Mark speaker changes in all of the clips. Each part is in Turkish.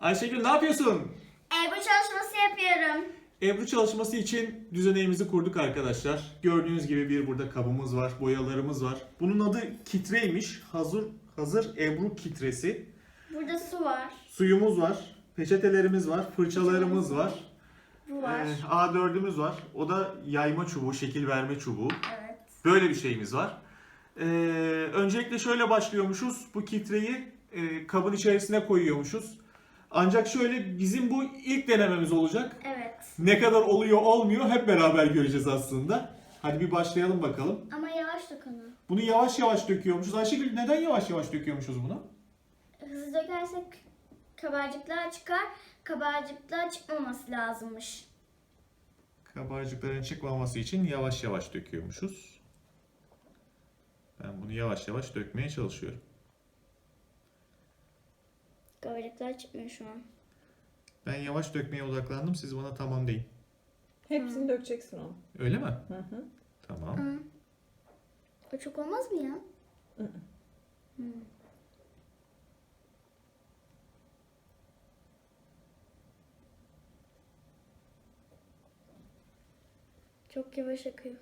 Speaker 1: Ayşegül ne yapıyorsun?
Speaker 2: Ebru çalışması yapıyorum.
Speaker 1: Ebru çalışması için düzeneğimizi kurduk arkadaşlar. Gördüğünüz gibi bir burada kabımız var, boyalarımız var. Bunun adı kitreymiş. Hazır Ebru kitresi.
Speaker 2: Burada su var.
Speaker 1: Suyumuz var, peçetelerimiz var, fırçalarımız var.
Speaker 2: Bu var.
Speaker 1: A4'ümüz var. O da yayma çubuğu, şekil verme çubuğu.
Speaker 2: Evet.
Speaker 1: Böyle bir şeyimiz var. Öncelikle şöyle başlıyormuşuz. Bu kitreyi kabın içerisine koyuyormuşuz. Ancak şöyle bizim bu ilk denememiz olacak.
Speaker 2: Evet.
Speaker 1: Ne kadar oluyor olmuyor hep beraber göreceğiz aslında. Hadi bir başlayalım bakalım.
Speaker 2: Ama yavaş dokunu.
Speaker 1: Bunu yavaş yavaş döküyormuşuz. Ayşegül neden yavaş yavaş döküyormuşuz bunu?
Speaker 2: Hızlı dökersek kabarcıklar çıkar. Kabarcıklar çıkmaması lazımmış.
Speaker 1: Kabarcıkların çıkmaması için yavaş yavaş döküyormuşuz. Ben bunu yavaş yavaş dökmeye çalışıyorum.
Speaker 2: Kabarcıklar çıkmıyor şu an.
Speaker 1: Ben yavaş dökmeye odaklandım. Siz bana tamam deyin.
Speaker 3: Hepsini dökeceksin onu.
Speaker 1: Öyle mi?
Speaker 3: Hı hı.
Speaker 1: Tamam.
Speaker 2: Hı. O çok olmaz mı ya?
Speaker 3: Hı.
Speaker 2: Hı. Çok yavaş akıyor.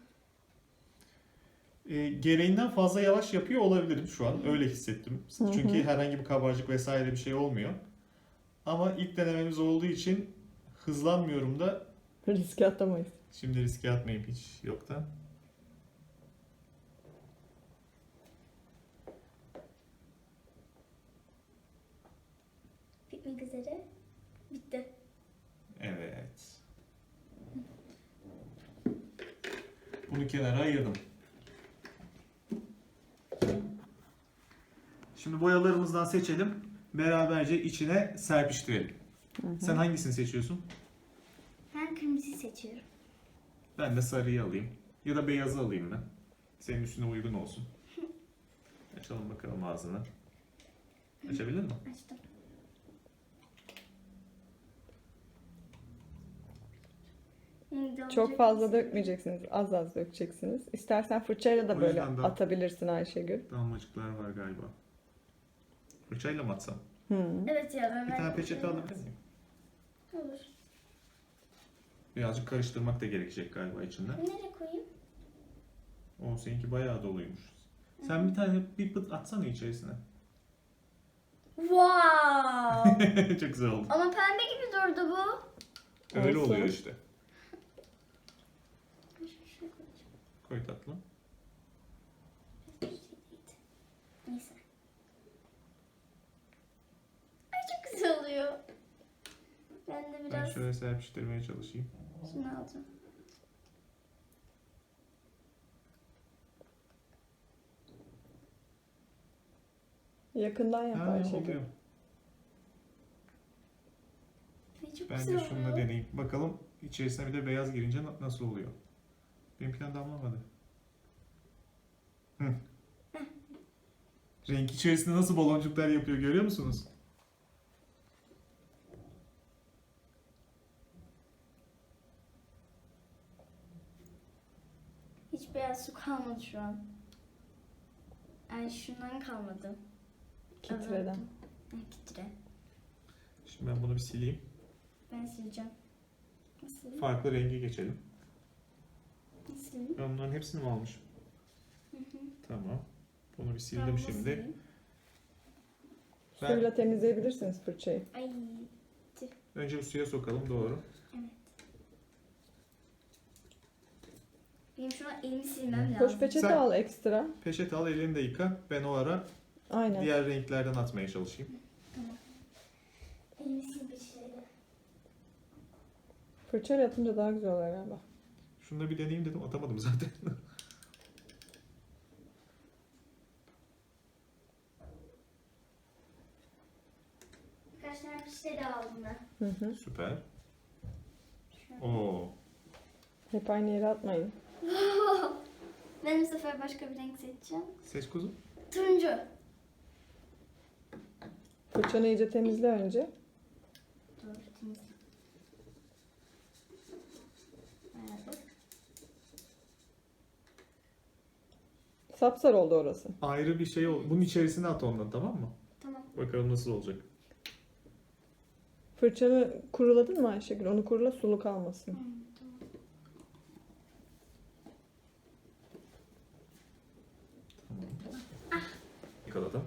Speaker 1: Gereğinden fazla yavaş yapıyor olabilirim şu an. Öyle hissettim.
Speaker 3: Hı hı.
Speaker 1: Çünkü herhangi bir kabarcık vesaire bir şey olmuyor. Ama ilk denememiz olduğu için hızlanmıyorum da
Speaker 3: Riske atamayız.
Speaker 1: şimdi riske atmayayım hiç yoktan.
Speaker 2: Bitmek üzere. Bitti.
Speaker 1: Evet. Bunu kenara ayırdım. Şimdi boyalarımızdan seçelim. Beraberce içine serpiştirelim. Sen hangisini seçiyorsun?
Speaker 2: Ben kırmızıyı seçiyorum.
Speaker 1: Ben de sarıyı alayım. Ya da beyazı alayım ben. Senin üstüne uygun olsun. Açalım bakalım ağzını. Açabildin mi?
Speaker 2: Açtım.
Speaker 3: Çok fazla dökmeyeceksiniz. Az az dökeceksiniz. İstersen fırçayla da
Speaker 1: O
Speaker 3: böyle
Speaker 1: yüzden de-
Speaker 3: atabilirsin Ayşegül.
Speaker 1: Damlacıklar var galiba. Fırçayla mı atsam?
Speaker 3: Hı.
Speaker 2: Evet ya ben
Speaker 1: Bir tane peçete alabilir miyim?
Speaker 2: Olur.
Speaker 1: Birazcık karıştırmak da gerekecek galiba içinden.
Speaker 2: Nereye koyayım?
Speaker 1: O seninki bayağı doluymuş. Sen bir tane bir pıt atsana içerisine.
Speaker 2: Wow!
Speaker 1: Çok güzel oldu.
Speaker 2: Ama pembe gibi durdu bu.
Speaker 1: Öyle
Speaker 3: Olsun.
Speaker 1: oluyor işte. Koy tatlım.
Speaker 2: Neyse. Ay çok güzel oluyor. Ben de
Speaker 1: Ben
Speaker 2: biraz
Speaker 1: şöyle serpiştirmeye çalışayım.
Speaker 2: şunu alacağım.
Speaker 3: Yakından yap
Speaker 1: Ha,
Speaker 3: Ayşegül.
Speaker 1: oluyor.
Speaker 2: Ay çok
Speaker 1: Ben
Speaker 2: güzel
Speaker 1: de şununla
Speaker 2: oluyor.
Speaker 1: deneyeyim. Bakalım içerisine bir de beyaz girince nasıl oluyor. Benimkinden damlamadı. Hı. Renk içerisinde nasıl baloncuklar yapıyor görüyor musunuz?
Speaker 2: Hiç beyaz su kalmadı şu an. Ay şundan kalmadı.
Speaker 3: Kitreden.
Speaker 2: Ha, kitre.
Speaker 1: Şimdi ben bunu bir sileyim.
Speaker 2: Ben sileceğim. Nasıl?
Speaker 1: Farklı rengi geçelim.
Speaker 2: Nasıl?
Speaker 1: Ben bunların hepsini mi almışım? Tamam. Bunu bir sildim şimdi. Ben
Speaker 3: Suyla temizleyebilirsiniz fırçayı.
Speaker 2: Ay.
Speaker 1: önce bir suya sokalım doğru.
Speaker 2: Evet. Benim şu an elimi silmem lazım.
Speaker 3: Koş peçete
Speaker 1: Sen-
Speaker 3: al ekstra.
Speaker 1: Peçete al elini de yıka. Ben o ara
Speaker 3: Aynen.
Speaker 1: diğer renklerden atmaya çalışayım.
Speaker 2: Elimi sil bir şeyle.
Speaker 3: Fırçayla atınca daha güzel oluyor galiba.
Speaker 1: Şunu da bir deneyeyim dedim atamadım zaten.
Speaker 2: Birkaç tane pişleri aldım ben.
Speaker 3: Hı hı.
Speaker 1: Süper.
Speaker 2: Şöyle.
Speaker 1: Oo.
Speaker 3: Hep aynı yere atmayın.
Speaker 2: Ben bu sefer başka bir renk seçeceğim.
Speaker 1: Seç kuzum.
Speaker 2: Turuncu.
Speaker 3: Fırçanı iyice temizle önce.
Speaker 2: Doğru, temizle. Ayarladık.
Speaker 3: Sapsarı oldu orası.
Speaker 1: Ayrı bir şey ol. Bunun içerisine at ondan tamam mı?
Speaker 2: Tamam.
Speaker 1: Bakalım nasıl olacak.
Speaker 3: Fırçanı kuruladın mı Ayşegül? Onu kurula, sulu kalmasın.
Speaker 1: Yakaladım.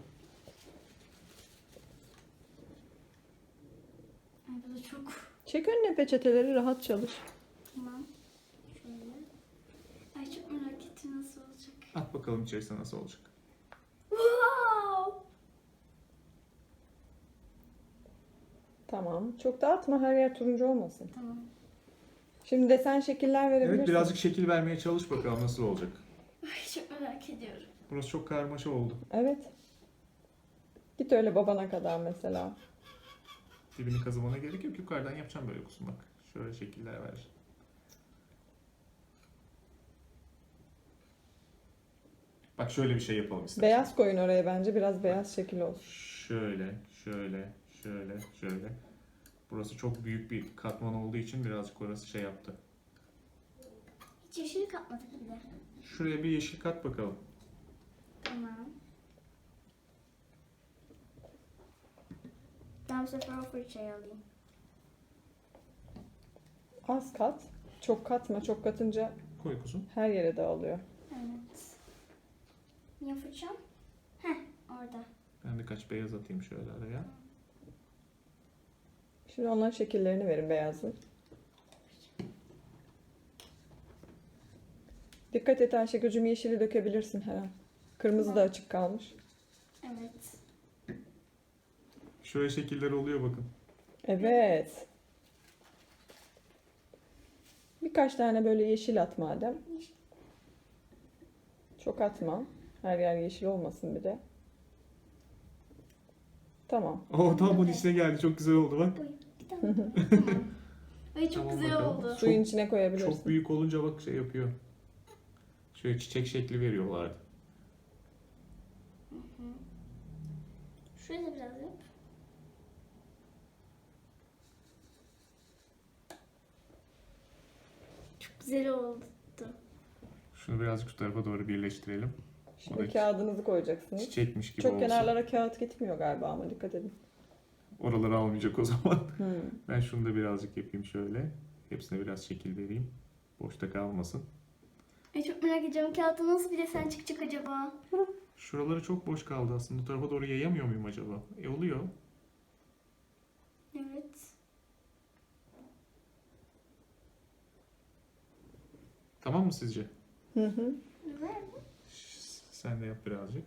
Speaker 2: Ay bu da çok.
Speaker 3: Çek önüne peçeteleri, rahat çalış.
Speaker 2: Tamam. Şöyle. Ay çok merak ettim nasıl olacak.
Speaker 1: At bakalım içerisinde nasıl olacak.
Speaker 2: Wow!
Speaker 3: Tamam. Çok dağıtma, her yer turuncu olmasın.
Speaker 2: Tamam.
Speaker 3: Şimdi desen şekiller verebilirsin.
Speaker 1: Evet, birazcık şekil vermeye çalış bakalım nasıl olacak.
Speaker 2: Ay çok merak ediyorum.
Speaker 1: Burası çok karmaşa oldu.
Speaker 3: Evet. Git öyle babana kadar mesela.
Speaker 1: Dibini kazımana gerek yok. Yukarıdan yapacağım böyle kuzum bak. Şöyle şekiller ver. Bak şöyle bir şey yapalım istersen.
Speaker 3: Beyaz koyun oraya bence. Biraz beyaz şekil olsun.
Speaker 1: Şöyle, şöyle. Burası çok büyük bir katman olduğu için birazcık orası şey yaptı.
Speaker 2: Hiç yeşil katmadık bir de.
Speaker 1: Şuraya bir yeşil kat bakalım.
Speaker 2: Tamam. Ben bu sefer o fırçayı alayım.
Speaker 3: Az kat. Çok katma. Çok katınca
Speaker 1: Koy kuzum.
Speaker 3: her yere dağılıyor.
Speaker 2: Evet. Niye fırçam? Heh orada.
Speaker 1: Ben birkaç beyaz atayım şöyle araya.
Speaker 3: Şimdi onların şekillerini verin beyazlı. Dikkat et Ayşegül'cüm, yeşili dökebilirsin her an. Kırmızı da açık kalmış.
Speaker 2: Evet.
Speaker 1: Şöyle şekiller oluyor bakın.
Speaker 3: Evet. Birkaç tane böyle yeşil at madem. Çok atma. Her yer yeşil olmasın bir de. Tamam.
Speaker 1: Oo, tam bunun içine geldi. Çok güzel oldu bak.
Speaker 2: Oy, bir tane. Tamam. Ay çok
Speaker 1: Tamam
Speaker 2: güzel
Speaker 1: bakalım.
Speaker 2: oldu.
Speaker 3: Suyun içine koyabilirsin.
Speaker 1: Çok büyük olunca bak şey yapıyor. Şöyle çiçek şekli veriyorlardı.
Speaker 2: Şuraya da biraz yap. Çok güzel oldu.
Speaker 1: Şunu birazcık şu tarafa doğru birleştirelim.
Speaker 3: Şimdi
Speaker 1: O da
Speaker 3: kağıdınızı koyacaksınız.
Speaker 1: Çiçekmiş gibi
Speaker 3: Çok
Speaker 1: olsun.
Speaker 3: kenarlara kağıt gitmiyor galiba ama dikkat edin.
Speaker 1: Oraları almayacak o zaman.
Speaker 3: Hmm.
Speaker 1: Ben şunu da birazcık yapayım şöyle. Hepsine biraz şekil vereyim. Boşta kalmasın.
Speaker 2: Ay çok merak ediyorum. Kağıtta nasıl bir desen çıkacak acaba?
Speaker 1: Şuraları çok boş kaldı aslında. Bu tarafa doğru yayamıyor muyum acaba? Oluyor.
Speaker 2: Evet.
Speaker 1: Tamam mı sizce?
Speaker 3: Hı hı.
Speaker 2: Güzel.
Speaker 1: Sen de yap birazcık.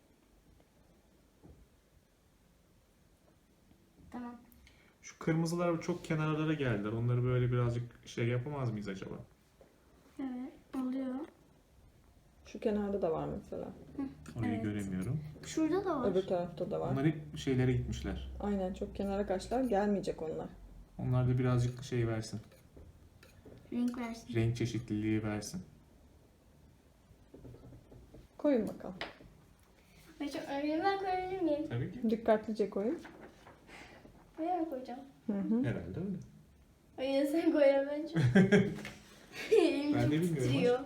Speaker 2: Tamam.
Speaker 1: Şu kırmızılar çok kenarlara geldiler. Onları böyle birazcık şey yapamaz mıyız acaba?
Speaker 2: Evet. Oluyor.
Speaker 3: Şu kenarda da var mesela.
Speaker 1: Orayı
Speaker 2: Evet.
Speaker 1: göremiyorum.
Speaker 2: Şurada da var.
Speaker 3: Öbür tarafta da var.
Speaker 1: Onlar hep şeylere gitmişler.
Speaker 3: Aynen, çok kenara kaçlar, gelmeyecek onlar.
Speaker 1: Onlar da birazcık şey versin.
Speaker 2: Renk versin.
Speaker 1: Renk çeşitliliği versin.
Speaker 3: Koyun bakalım.
Speaker 2: Ay çok önemli. Ben koyabilir miyim?
Speaker 1: Tabii ki.
Speaker 3: Dikkatlice koyun.
Speaker 2: Buraya mı koyacağım?
Speaker 3: Hı hı.
Speaker 1: Herhalde öyle.
Speaker 2: Ay ya sen koy ya bence. Elim
Speaker 1: Ben
Speaker 2: çok
Speaker 1: de bilmiyorum
Speaker 2: titriyor.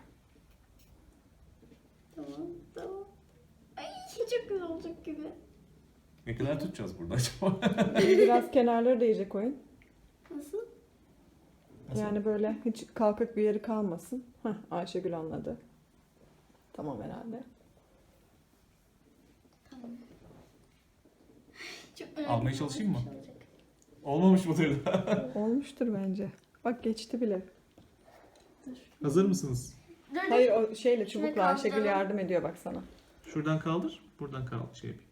Speaker 2: Tamam. Tamam. Ay çok güzel olacak gibi.
Speaker 1: Ne kadar tutacağız burada acaba?
Speaker 3: Biraz kenarları da iyice koyun.
Speaker 2: Nasıl?
Speaker 1: Nasıl?
Speaker 3: Yani böyle hiç kalkık bir yeri kalmasın. Hah, Ayşegül anladı. Tamam herhalde.
Speaker 2: Tamam. Çok merak
Speaker 1: Almaya
Speaker 2: ediyorum,
Speaker 1: çalışayım mı?
Speaker 2: nasıl bir şey olacak.
Speaker 1: Olmamış mıdır da?
Speaker 3: Olmuştur bence. Bak geçti bile.
Speaker 2: Dur.
Speaker 1: Hazır mısınız?
Speaker 2: Dur, dur.
Speaker 3: Hayır, o şeyle,
Speaker 2: Şuraya
Speaker 3: çubukla Ayşegül
Speaker 2: kaldıralım.
Speaker 3: yardım ediyor bak sana.
Speaker 1: Şuradan kaldır. Buradan kaldır. Şey yapayım.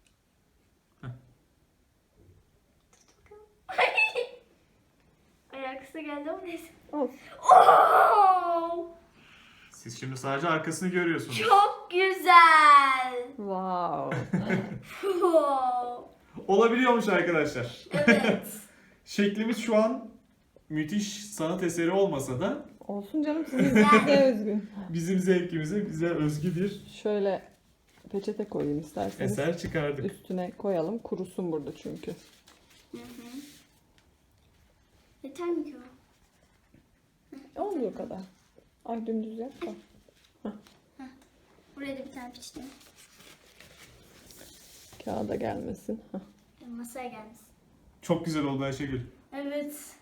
Speaker 2: Ay arkası geldi ama neyse.
Speaker 3: Olsun.
Speaker 2: Oo!
Speaker 1: Siz şimdi sadece arkasını görüyorsunuz.
Speaker 2: Çok güzel.
Speaker 3: Wow.
Speaker 2: Wow.
Speaker 1: Olabiliyormuş arkadaşlar.
Speaker 2: Evet.
Speaker 1: Şeklimiz şu an müthiş sanat eseri olmasa da
Speaker 3: Olsun canım, size özgü.
Speaker 1: bizim zevkimize, bize özgü bir
Speaker 3: Şöyle peçete koyayım isterseniz.
Speaker 1: eser çıkardık.
Speaker 3: Üstüne koyalım. Kurusun burada çünkü.
Speaker 2: Hı hı. Yeter mi ki o?
Speaker 3: Olduğu kadar. Ay dümdüz yap da.
Speaker 2: Buraya da bir tane piçtim.
Speaker 3: Kağıda gelmesin. Hah.
Speaker 2: Masaya gelmesin.
Speaker 1: Çok güzel oldu Ayşegül.
Speaker 2: Evet.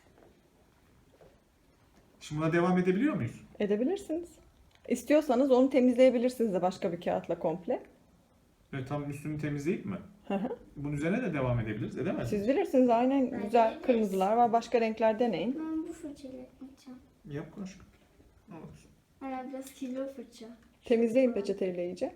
Speaker 1: Şimdi buna devam edebiliyor muyuz?
Speaker 3: Edebilirsiniz. İstiyorsanız onu temizleyebilirsiniz de başka bir kağıtla komple.
Speaker 1: Evet, tam üstünü temizleyip mi?
Speaker 3: Hı hı.
Speaker 1: Bunun üzerine de devam edebiliriz. Edemez miyiz?
Speaker 3: Siz bilirsiniz, aynen
Speaker 2: Bence
Speaker 3: güzel
Speaker 2: ederiz.
Speaker 3: kırmızılar var. Başka renkler deneyin.
Speaker 2: Ben bu fırçayla yapacağım.
Speaker 1: Yap aşkım. Olur.
Speaker 2: Hala biraz kirli o fırça.
Speaker 3: Temizleyin peçeteyle iyice.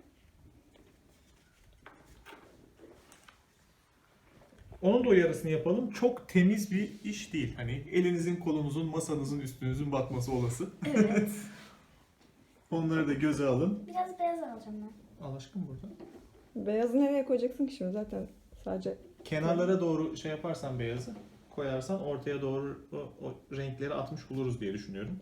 Speaker 1: Onun da uyarısını yapalım. Çok temiz bir iş değil. Hani elinizin, kolunuzun, masanızın, üstünüzün batması olası.
Speaker 2: Evet.
Speaker 1: Onları da göze alın.
Speaker 2: Biraz beyaz alacağım ben.
Speaker 1: Al aşkım burada.
Speaker 3: Beyazı nereye koyacaksın ki şimdi, zaten sadece
Speaker 1: Kenarlara doğru şey yaparsan beyazı koyarsan ortaya doğru o renkleri atmış buluruz diye düşünüyorum.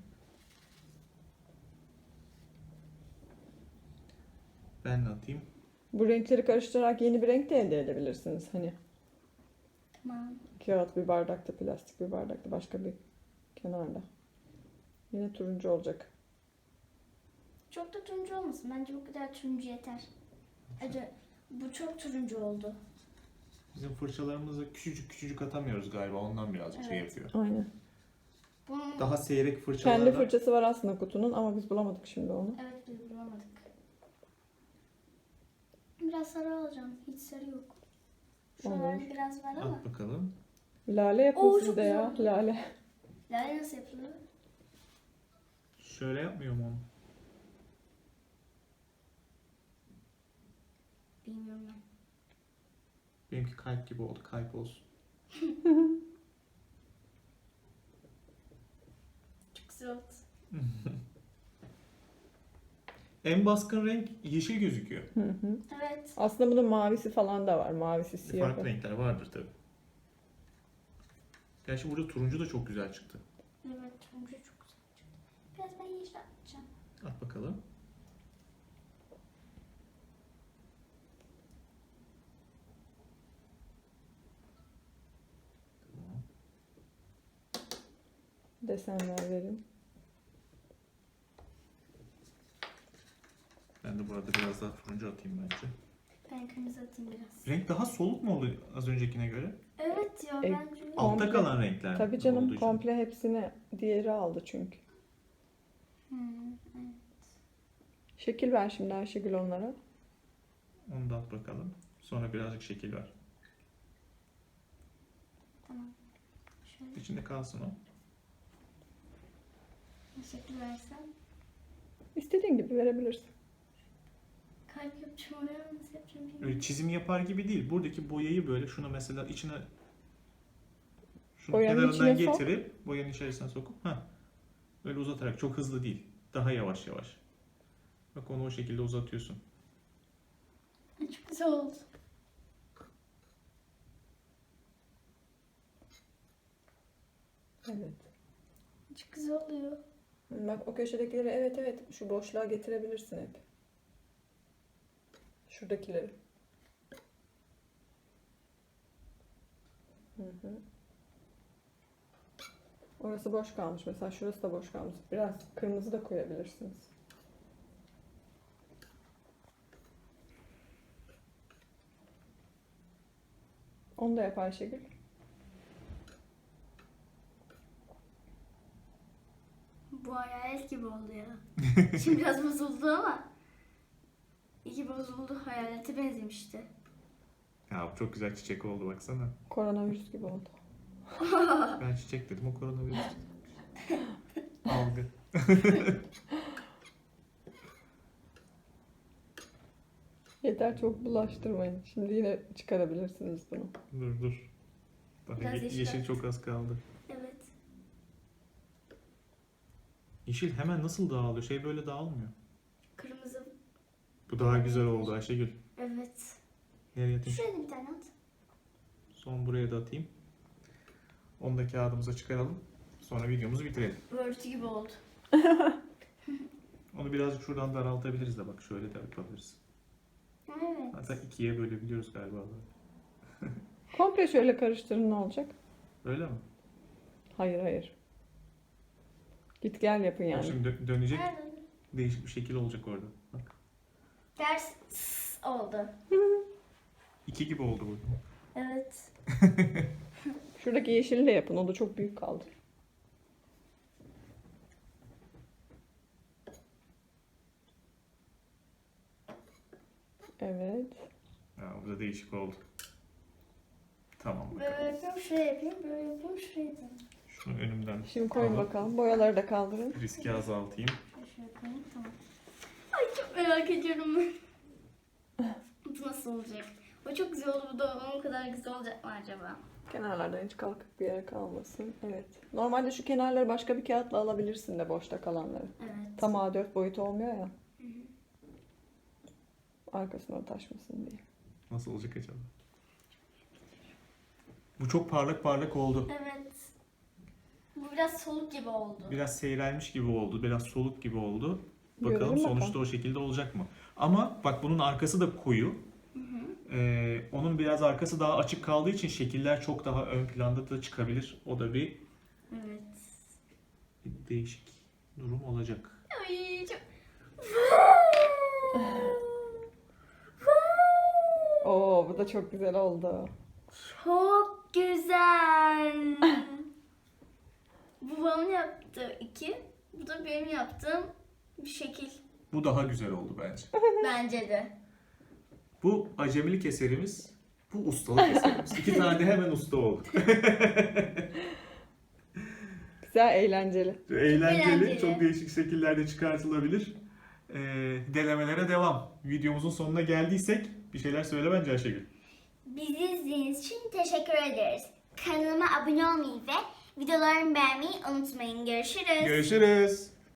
Speaker 1: Ben de atayım.
Speaker 3: bu renkleri karıştırarak yeni bir renk de elde edebilirsiniz. Hani
Speaker 2: Tamam.
Speaker 3: kağıt bir bardakta, plastik bir bardakta, başka bir kenarda. Yine turuncu olacak.
Speaker 2: Çok da turuncu olmasın. Bence bu kadar turuncu yeter. Acı, bu çok turuncu oldu.
Speaker 1: Bizim fırçalarımızı küçücük küçücük atamıyoruz galiba. Ondan birazcık şey
Speaker 2: Evet.
Speaker 1: yapıyor.
Speaker 3: Aynen.
Speaker 2: Bunun...
Speaker 1: Daha seyrek
Speaker 3: Kendi
Speaker 1: fırçalarla
Speaker 3: fırçası var aslında kutunun ama biz bulamadık şimdi onu.
Speaker 2: Evet, biz bulamadık. Biraz sarı alacağım. Hiç sarı yok. Şuralarda
Speaker 3: Olur.
Speaker 2: biraz var ama.
Speaker 1: at bakalım.
Speaker 3: Lale yapın
Speaker 2: Oo,
Speaker 3: siz
Speaker 2: çok
Speaker 3: de ya.
Speaker 2: güzel.
Speaker 3: Lale.
Speaker 2: Lale nasıl yapılıyor?
Speaker 1: Şöyle yapmıyor mu onu?
Speaker 2: Bilmiyorum ben.
Speaker 1: Benimki kalp gibi oldu. Kalp olsun.
Speaker 2: Çok güzel oldu.
Speaker 1: En baskın renk yeşil gözüküyor.
Speaker 3: Hı hı.
Speaker 2: Evet.
Speaker 3: Aslında bunun mavisi falan da var. Mavisi, siyahı.
Speaker 1: Farklı renkler vardır tabi. Gerçi burada turuncu da çok güzel çıktı.
Speaker 2: Evet, turuncu çok güzel çıktı. Biraz ben yeşil atacağım.
Speaker 1: At bakalım.
Speaker 3: Desenler verin.
Speaker 1: Ben de burada biraz daha turuncu atayım bence.
Speaker 2: Ben kırmızı atayım biraz.
Speaker 1: Renk daha soluk mu oldu az öncekine göre?
Speaker 2: Evet ya,
Speaker 3: E,
Speaker 2: bence.
Speaker 1: Altta
Speaker 3: Komple-
Speaker 1: kalan renkler
Speaker 3: Tabii
Speaker 1: olduğu
Speaker 3: canım,
Speaker 1: için.
Speaker 3: komple hepsini diğeri aldı çünkü.
Speaker 2: Evet.
Speaker 3: Şekil ver şimdi Ayşegül onlara.
Speaker 1: Onu da at bakalım. Sonra birazcık şekil ver.
Speaker 2: Tamam. Şöyle
Speaker 1: İçinde kalsın o.
Speaker 2: şekil versem.
Speaker 3: İstediğin gibi verebilirsin.
Speaker 2: Kalp yapacağım oraya, nasıl yapacağım bilmiyorum.
Speaker 1: Öyle çizim yapar gibi değil. Buradaki boyayı böyle şunu mesela içine şunu
Speaker 3: Boyanın
Speaker 1: kenarından
Speaker 3: içine sok.
Speaker 1: getirip boyanın içerisine sokup böyle uzatarak, çok hızlı değil. Daha yavaş yavaş. Bak onu o şekilde uzatıyorsun.
Speaker 2: Ay, çok güzel oldu.
Speaker 3: Evet.
Speaker 2: Çok güzel oluyor.
Speaker 3: Bak o köşedekileri, evet evet, şu boşluğa getirebilirsin hep. Şuradakileri. Hı hı. Orası boş kalmış mesela, şurası da boş kalmış. Biraz kırmızı da koyabilirsiniz. Onu da yap Ayşegül.
Speaker 2: Bu hayalet gibi oldu ya. Şimdi biraz bozuldu ama. İyi bozuldu, hayalete benzemişti.
Speaker 1: Ya bu çok güzel çiçek oldu baksana.
Speaker 3: Koronavirüs gibi oldu.
Speaker 1: Ben çiçek dedim, o koronavirüs. Algı.
Speaker 3: Yeter, çok bulaştırmayın. Şimdi yine çıkarabilirsiniz bunu.
Speaker 1: Dur. Daha
Speaker 2: Biraz yeşil
Speaker 1: yeşil
Speaker 2: at.
Speaker 1: çok az kaldı.
Speaker 2: Evet.
Speaker 1: Yeşil hemen nasıl dağılıyor? Şey böyle dağılmıyor.
Speaker 2: Kırmızı.
Speaker 1: Bu daha güzel oldu Ayşegül.
Speaker 2: Evet.
Speaker 1: Nereye atayım?
Speaker 2: Şuraya da bir tane at.
Speaker 1: Son buraya da atayım. Onu da kağıdımıza çıkaralım. Sonra videomuzu bitirelim.
Speaker 2: Örtü gibi oldu.
Speaker 1: Onu birazcık şuradan daraltabiliriz de bak şöyle de yapabiliriz.
Speaker 2: Evet.
Speaker 1: Hatta ikiye bölebiliyoruz galiba.
Speaker 3: Komple şöyle karıştırın, ne olacak?
Speaker 1: Öyle mi?
Speaker 3: Hayır hayır. Git gel yapın
Speaker 1: Bak
Speaker 3: yani.
Speaker 1: şimdi dönecek,
Speaker 2: Nerede?
Speaker 1: değişik bir şekil olacak orada. Bak.
Speaker 2: Ters oldu.
Speaker 1: İki gibi oldu bu.
Speaker 2: Evet.
Speaker 3: Şuradaki yeşili de yapın. O da çok büyük kaldı. Evet.
Speaker 1: Ha, bu da değişik oldu. Tamam
Speaker 2: Böyle
Speaker 1: bakalım.
Speaker 2: yapayım, şuraya yapayım, böyle yapayım, şuraya yapayım.
Speaker 1: Şunu önümden
Speaker 3: Şimdi koyun
Speaker 1: alıp
Speaker 3: bakalım. Boyaları da kaldırın.
Speaker 1: riski azaltayım.
Speaker 2: Şöyle yapayım, tamam. Ay çok merak ediyorum ben. Bu nasıl olacak? O çok güzel oldu, bu da onun kadar güzel olacak mı acaba?
Speaker 3: Kenarlardan hiç kalkık bir yer kalmasın. Evet. Normalde şu kenarları başka bir kağıtla alabilirsin de boşta kalanları.
Speaker 2: Evet.
Speaker 3: Tam A4 boyutu olmuyor ya. Arkasına taşmasın diye.
Speaker 1: Nasıl olacak acaba? Bu çok parlak parlak oldu.
Speaker 2: Evet. Bu biraz soluk gibi oldu.
Speaker 1: Biraz seyrelmiş gibi oldu. Biraz soluk gibi oldu. Bakalım
Speaker 3: Görelim
Speaker 1: sonuçta
Speaker 3: bakalım.
Speaker 1: o şekilde olacak mı? Ama bak bunun arkası da koyu. Onun biraz arkası daha açık kaldığı için şekiller çok daha ön planda da çıkabilir. O da bir
Speaker 2: Evet.
Speaker 1: değişik durum olacak.
Speaker 2: Ay çok...
Speaker 3: Oo, bu da çok güzel oldu.
Speaker 2: Çok güzel. Bu babamın yaptığı iki. Bu da benim yaptığım bir şekil.
Speaker 1: Bu daha güzel oldu bence.
Speaker 2: Bence de.
Speaker 1: Bu acemilik eserimiz, bu ustalık eserimiz. İki tane de hemen usta olduk.
Speaker 3: Güzel, eğlenceli.
Speaker 1: Eğlenceli, çok değişik şekillerde çıkartılabilir. Denemelere devam. Videomuzun sonuna geldiysek bir şeyler söyle bence Ayşegül.
Speaker 2: Bizi izlediğiniz için teşekkür ederiz. Kanalıma abone olmayı ve videolarımı beğenmeyi unutmayın. Görüşürüz.
Speaker 1: Görüşürüz.